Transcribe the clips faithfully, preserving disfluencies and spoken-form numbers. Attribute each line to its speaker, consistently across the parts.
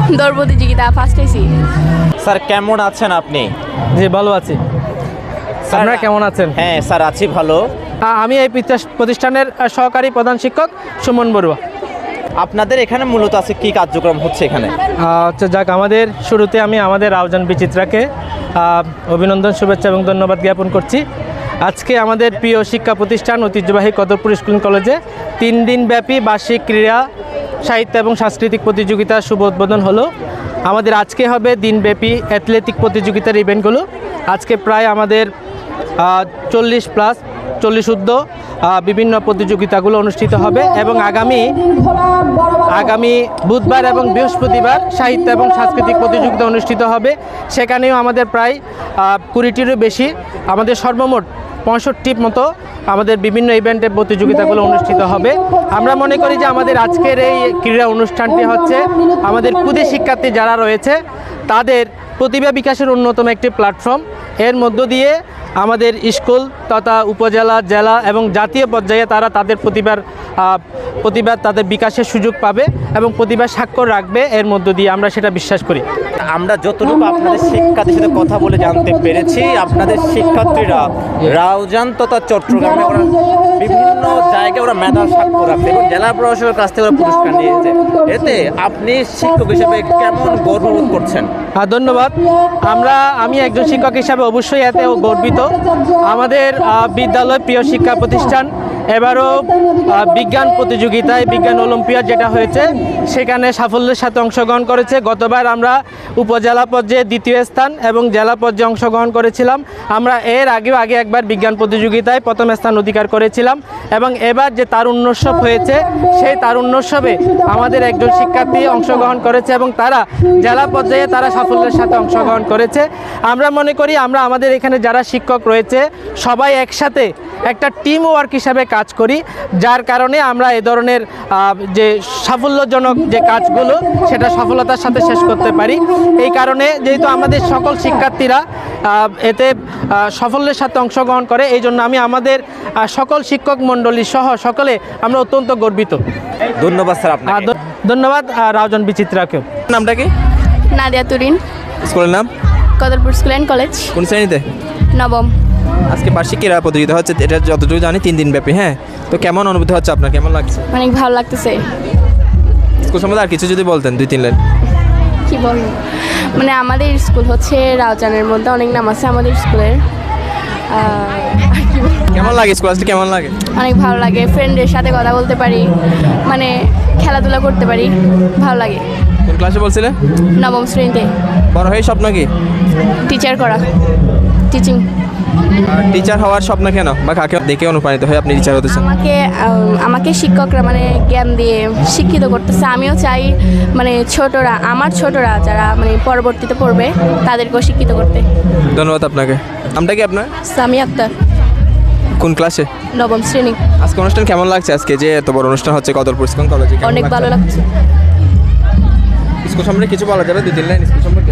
Speaker 1: দৌড় প্রতিযোগিতা ফার্স্ট হয়েছি।
Speaker 2: স্যার কেমন আছেন আপনি?
Speaker 3: জি ভালো আছি। আপনারা কেমন আছেন?
Speaker 2: হ্যাঁ স্যার আছি ভালো।
Speaker 3: আ- আমি এই পিতা- প্রতিষ্ঠানের আ, সহকারী প্রধান শিক্ষক সুমন বড়ুয়া।
Speaker 2: আপনাদের এখানে মূলত আছে কি কার্যক্রম হচ্ছে এখানে?
Speaker 3: আচ্ছা যাক, আমাদের শুরুতে আমি আমাদের রাউজান বিচিত্রাকে আ, অভিনন্দন, শুভেচ্ছা এবং ধন্যবাদ জ্ঞাপন করছি। আজকে আমাদের প্রিয় শিক্ষা প্রতিষ্ঠান ঐতিহ্যবাহী কদরপুর স্কুল কলেজে তিন দিন ব্যাপী বার্ষিক ক্রীড়া, সাহিত্য এবং সাংস্কৃতিক প্রতিযোগিতার শুভ উদ্বোধন হলো। আমাদের আজকে হবে দিনব্যাপী অ্যাথলেটিক প্রতিযোগিতার ইভেন্টগুলো। আজকে প্রায় আমাদের চল্লিশ প্লাস চল্লিশ ঊর্ধ্ব আহ, বিভিন্ন প্রতিযোগিতাগুলো অনুষ্ঠিত হবে এবং আগামী আগামী বুধবার এবং বৃহস্পতিবার সাহিত্য এবং সাংস্কৃতিক প্রতিযোগিতা অনুষ্ঠিত হবে। সেখানেও আমাদের প্রায় আহ, কুড়িটিরও বেশি, আমাদের সর্বমোট পঁয়ষট্টির মতো আমাদের বিভিন্ন ইভেন্টের প্রতিযোগিতাগুলো অনুষ্ঠিত হবে। আমরা মনে করি যে আমাদের আজকের এই ক্রীড়া অনুষ্ঠানটি হচ্ছে আমাদের ক্ষুদে শিক্ষার্থী যারা রয়েছে তাদের প্রতিভা বিকাশের অন্যতম একটি প্ল্যাটফর্ম। এর মধ্য দিয়ে আমাদের স্কুল তথা উপজেলা, জেলা এবং জাতীয় পর্যায়ে তারা তাদের প্রতিভার আহ, প্রতিভার তাদের বিকাশের সুযোগ পাবে এবং প্রতিভার স্বাক্ষর রাখবে। এর মধ্য দিয়ে আমরা সেটা বিশ্বাস করি।
Speaker 2: আমরা যতটুকু আপনাদের শিক্ষার্থীর সাথে কথা বলে জানতে পেরেছি, আপনাদের শিক্ষার্থীরা রাউজান তথা চট্টগ্রামে ওরা বিভিন্ন জায়গায় ওরা মেধার স্বাক্ষর রাখছে এবং জেলা প্রশাসকের কাছ থেকে ওরা পুরস্কার নিয়েছে। এতে আপনি শিক্ষক হিসেবে কেমন গর্ববোধ করছেন?
Speaker 3: হ্যাঁ ধন্যবাদ। আমরা আমি একজন শিক্ষক হিসাবে অবশ্যই এতে গর্বিত। আমাদের আহ, বিদ্যালয় প্রিয় শিক্ষা প্রতিষ্ঠান এবারও আহ, বিজ্ঞান প্রতিযোগিতায় বিজ্ঞান অলিম্পিয়াড যেটা হয়েছে সেখানে সাফল্যের সাথে অংশগ্রহণ করেছে। গতবার আমরা উপজেলা পর্যায়ে দ্বিতীয় স্থান এবং জেলা পর্যায়ে অংশগ্রহণ করেছিলাম। আমরা এর আগেও আগে একবার বিজ্ঞান প্রতিযোগিতায় প্রথম স্থান অধিকার করেছিলাম এবং এবার যে তারুণ্যোৎসব হয়েছে সেই তারুণ্যোৎসবে আমাদের একজন শিক্ষার্থী অংশগ্রহণ করেছে এবং তারা জেলা পর্যায়ে তারা সাফল্যের সাথে অংশগ্রহণ করেছে। আমরা মনে করি আমরা আমাদের এখানে যারা শিক্ষক রয়েছে সবাই একসাথে একটা টিম ওয়ার্ক হিসাবে কাজ করি, যার কারণে আমরা এ ধরনের আহ, যে সাফল্যজনক যে কাজগুলো সেটা সফলতার সাথে শেষ করতে পারি। এই কারণে যেহেতু আমাদের সকল শিক্ষার্থীরা আহ, এতে আহ, সাফল্যের সাথে অংশগ্রহণ করে, এই জন্য আমি আমাদের আহ, সকল শিক্ষক মণ্ডলী সহ সকলে আমরা অত্যন্ত গর্বিত।
Speaker 2: ধন্যবাদ স্যার
Speaker 3: আর
Speaker 2: আপনাকে।
Speaker 3: ধ- ধন্যবাদ আহ, রাউজান বিচিত্রাকেও।
Speaker 4: নামটা কি?
Speaker 1: নাদিয়া তুরিন,
Speaker 4: স্কুলের নাম?
Speaker 1: কদরপুর স্কুল অ্যান্ড কলেজ,
Speaker 4: কোন শ্রেণীতে?
Speaker 1: নবম।
Speaker 4: আজকে বার্ষিক ক্রীড়া প্রতিযোগিতা হচ্ছে, এটা যতটুকু জানি তিন দিন ব্যাপী। হ্যাঁ, তো কেমন অনুভূতি হচ্ছে আপনার, কেমন লাগছে?
Speaker 1: অনেক ভালো লাগতেছে।
Speaker 4: স্কুল সম্বন্ধে আর কিছু যদি বলতেন দুই তিন লাইন।
Speaker 1: কি বলবো, মানে আমাদের স্কুল হচ্ছে রাউজানের মধ্যে অনেক নাম আছে আমাদের স্কুলের। আহ, আর কি বলবো,
Speaker 4: কেমন লাগে স্কুল আসলে, কেমন লাগে?
Speaker 1: অনেক ভালো লাগে, ফ্রেন্ডের সাথে কথা বলতে পারি, মানে খেলাধুলা করতে পারি, ভালো লাগে।
Speaker 4: কোন ক্লাসে বলছিলে?
Speaker 1: নবম শ্রেণীতে।
Speaker 4: বড় হয়ে স্বপ্ন কি?
Speaker 1: টিচার করা, টিচিং।
Speaker 4: টিচার হওয়ার স্বপ্ন কেন, বা কাকে দেখে অনুপ্রাণিত হয়ে আপনি টিচার হতে চান?
Speaker 1: আমাকে আম, আমাকে শিক্ষকরা মানে জ্ঞান দিয়ে শিক্ষিত করতেছে। আমিও চাই মানে ছোটরা, আমার ছোটরা যারা মানে পরবর্তীতে পড়বে তাদেরকেও শিক্ষিত করতে।
Speaker 4: ধন্যবাদ আপনাকে। নামটা কি আপনার?
Speaker 1: সামি আক্তার,
Speaker 4: কোন ক্লাসে?
Speaker 1: নবম শ্রেণী।
Speaker 4: আজকে অনুষ্ঠান কেমন লাগছে? আজকে যে এত বড় অনুষ্ঠান হচ্ছে কদরপুর স্কুল কলেজে, কেমন
Speaker 1: অনেক
Speaker 4: লাগছে?
Speaker 1: ভালো লাগছে।
Speaker 4: স্কুল সম্পর্কে কিছু বলা যাবে দুই তিন লাইন স্কুল সম্পর্কে?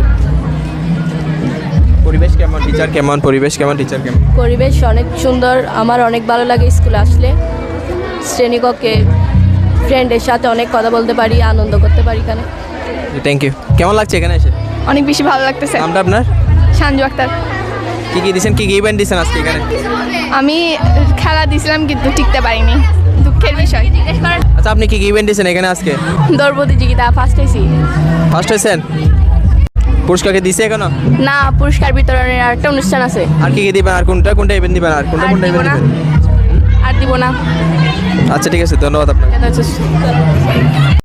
Speaker 4: পরিবেশ কেমন, টিচার কেমন, পরিবেশ কেমন, টিচার কেমন?
Speaker 1: পরিবেশ অনেক সুন্দর, আমার অনেক ভালো লাগে স্কুলে আসলে। শ্রেণীকক্ষে ফ্রেন্ডের সাথে অনেক কথা বলতে পারি, আনন্দ করতে পারি এখানে।
Speaker 4: Thank you. কেমন লাগছে এখানে এসে?
Speaker 1: অনেক বেশি ভালো লাগতেছে।
Speaker 4: নামটা আপনার?
Speaker 1: সঞ্জু আক্তার।
Speaker 4: কি কি দিয়েছেন, কি কি ইভেন্ট দিয়েছেন আজকে এখানে?
Speaker 1: আমি খেলা দিয়েছিলাম কিন্তু টিকতে পারিনি, দুঃখের বিষয়।
Speaker 4: আচ্ছা, আপনি কি কি ইভেন্ট দিয়েছেন এখানে আজকে?
Speaker 1: দৌড় প্রতিযোগিতা ফার্স্ট হয়েছি।
Speaker 4: ফার্স্ট হয়েছেন? পুরস্কারকে দিছে এখনো?
Speaker 1: না, পুরস্কার বিতরণের আর একটা অনুষ্ঠান আছে।
Speaker 4: আর কি কি দিবেন, আর কোনটা কোনটা ইভেন্ট দিবেন, আর কোনটা
Speaker 1: আর
Speaker 4: কোনটা
Speaker 1: দিব
Speaker 4: ইভেন্ট
Speaker 1: না,
Speaker 4: দিবেন?
Speaker 1: আর দিব না।
Speaker 4: আচ্ছা ঠিক আছে, ধন্যবাদ আপনাকে।
Speaker 1: এটা হচ্ছে